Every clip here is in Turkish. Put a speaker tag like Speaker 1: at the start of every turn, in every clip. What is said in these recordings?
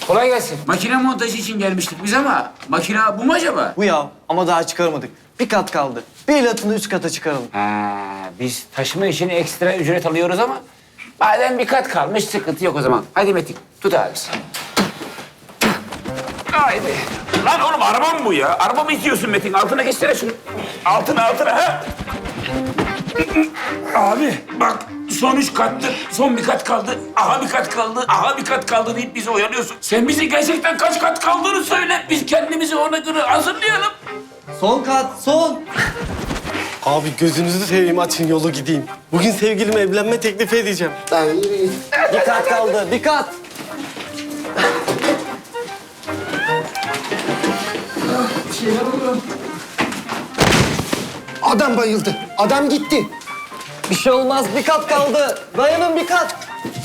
Speaker 1: Kolay gelsin.
Speaker 2: Makine montajı için gelmiştik biz ama makine bu mu acaba?
Speaker 3: Bu ya ama daha çıkarmadık. Bir kat kaldı. Bir ilatını üst kata çıkaralım.
Speaker 1: Ha, biz taşıma için ekstra ücret alıyoruz ama madem bir kat kalmış sıkıntı yok o zaman. Hadi Metin tut abisi. Haydi.
Speaker 2: Lan oğlum araba mı bu ya? Araba mı itiyorsun Metin? Altına geçsene şunu. Altına ha. Abi bak son 3 kattı. Son bir kat kaldı. Aha bir kat kaldı. Aha bir kat kaldı deyip bizi oyalıyorsun. Sen bize gerçekten kaç kat kaldığını söyle. Biz kendimizi ona göre hazırlayalım.
Speaker 3: Son kat, son.
Speaker 4: Abi gözünüzü seveyim açın yolu gideyim. Bugün sevgilime evlenme teklifi edeceğim.
Speaker 3: Bir kat kaldı, bir kat.
Speaker 5: Adam bayıldı. Adam gitti.
Speaker 3: Bir şey olmaz, bir kat kaldı. Dayanın bir kat.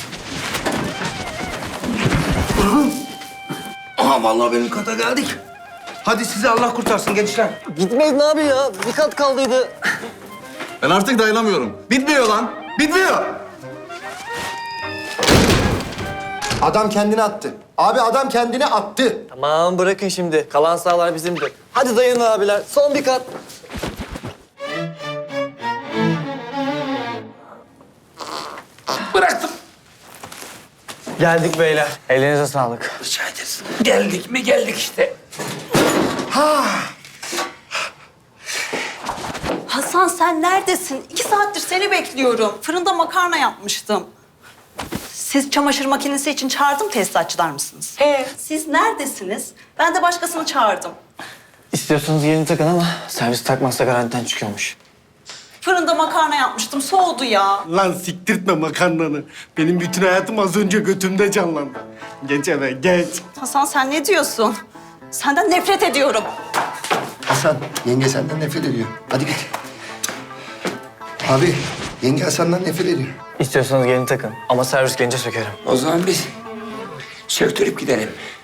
Speaker 5: Aha vallahi benim kata geldik. Hadi sizi Allah kurtarsın gençler.
Speaker 3: Gitmeyin abi ya. Bir kat kaldıydı.
Speaker 6: Ben artık dayanamıyorum. Bitmiyor lan. Bitmiyor.
Speaker 5: Adam kendini attı. Abi adam kendini attı.
Speaker 3: Tamam bırakın şimdi. Kalan sahalar bizimdir. Hadi dayanın abiler. Son bir kat.
Speaker 2: Bıraktım.
Speaker 3: Geldik beyler. Elinize sağlık.
Speaker 2: Rica ederiz. Geldik mi geldik işte.
Speaker 7: Hasan sen neredesin? 2 saattir seni bekliyorum. Fırında makarna yapmıştım. Siz çamaşır makinesi için çağırdım tesisatçılar mısınız? Siz neredesiniz? Ben de başkasını çağırdım.
Speaker 3: İstiyorsanız yeni takın ama servis takmazsa garantiden çıkıyormuş.
Speaker 7: Fırında makarna yapmıştım. Soğudu ya.
Speaker 4: Lan siktirtme makarnanı. Benim bütün hayatım az önce götümde canlandı. Geç eve geç.
Speaker 7: Hasan sen ne diyorsun? Senden nefret ediyorum.
Speaker 5: Hasan, yenge senden nefret ediyor. Hadi git. Abi, yenge Hasan'dan nefret ediyor.
Speaker 3: İstiyorsanız yeni takın ama servis gelince sökerim.
Speaker 2: O zaman biz söktürüp gidelim.